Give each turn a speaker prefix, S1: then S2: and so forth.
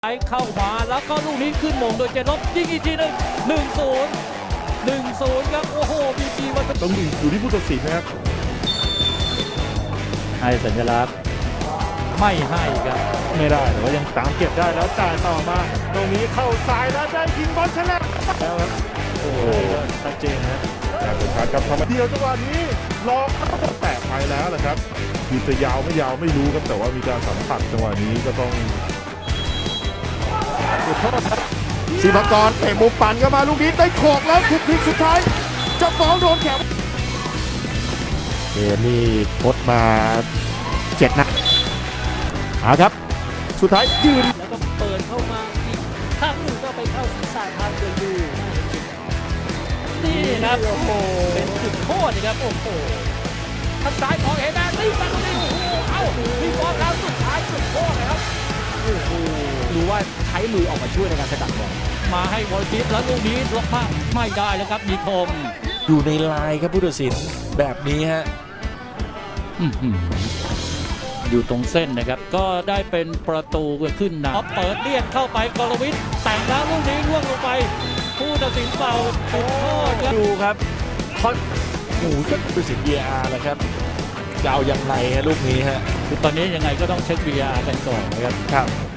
S1: เข้ามาแล้วก็ลูกนี้ขึ้นมงโดยเจนบยิงอีกทีหนึ่ง1-0ครับโอ้โหบีจีมา
S2: ต้องอยู่ที่ผู้ตัดสินนะครับ
S1: ให้สัญลักษณ์ไม่ให้ครับ
S2: ไม่ได้แต่ว่ายังตามเก็บได้แล้วจ่ายต่อมาตรงนี้เข้าซ้ายแล้วได้ยิงบอลชนะแล้วครับโอ้โหชัดเจนนะแต่สุดท้ายครับทำเดียวจังหวะนี้รอแตะไปแล้วนะครับคือจะยาวไม่ยาวไม่รู้ครับแต่ว่ามีการสัมผัสจังหวะนี้ก็ต้องศิวกรเตะมุมปั่นเข้ามาลูกนี้ได้โขกแล้วคุกพลิกสุดท้ายจะฟ้องโดนแขนเกมนี้พดมา7นัดครับสุดท้ายยืน
S1: แล้วก็เปิดเข้ามาอีกข้างหนึ่งก็ไปเข้าศีรษะทางเดินดูนี่นะโอ้โหเป็นจุดโทษนะครับโอ้โหทางซ้ายของเฮแมนนี่มาตรงนี้โอ้โหเอ้ามีบอลแล้วสุดท้ายจุดโทษนะครับโอ้โหรู้ว่าใช้มือออกมาช่วยในการสกัดบอลมาให้วอลคิสแล้วลูกนี้ล็อกมากไม่ได้แล้วครับมีธง
S3: อยู่ในลายครับผู้ตัดสินแบบนี้ฮะ
S1: อยู่ตรงเส้นนะครับก็ได้เป็นประตูขึ้นนะเปิดเลียดเข้าไปกรวิทย์แต่งแล้วลูกนี้ร่วงลงไปผู้ตัดสินเป่าจุดโทษครับ
S3: ดูครับทอดหมูก็ผู้ตัดสิน VAR แล้วครับจะเอายังไงฮะลูกนี้ฮะ
S1: คือตอนนี้ยังไงก็ต้องเช็ค VAR กันก่อนนะครับ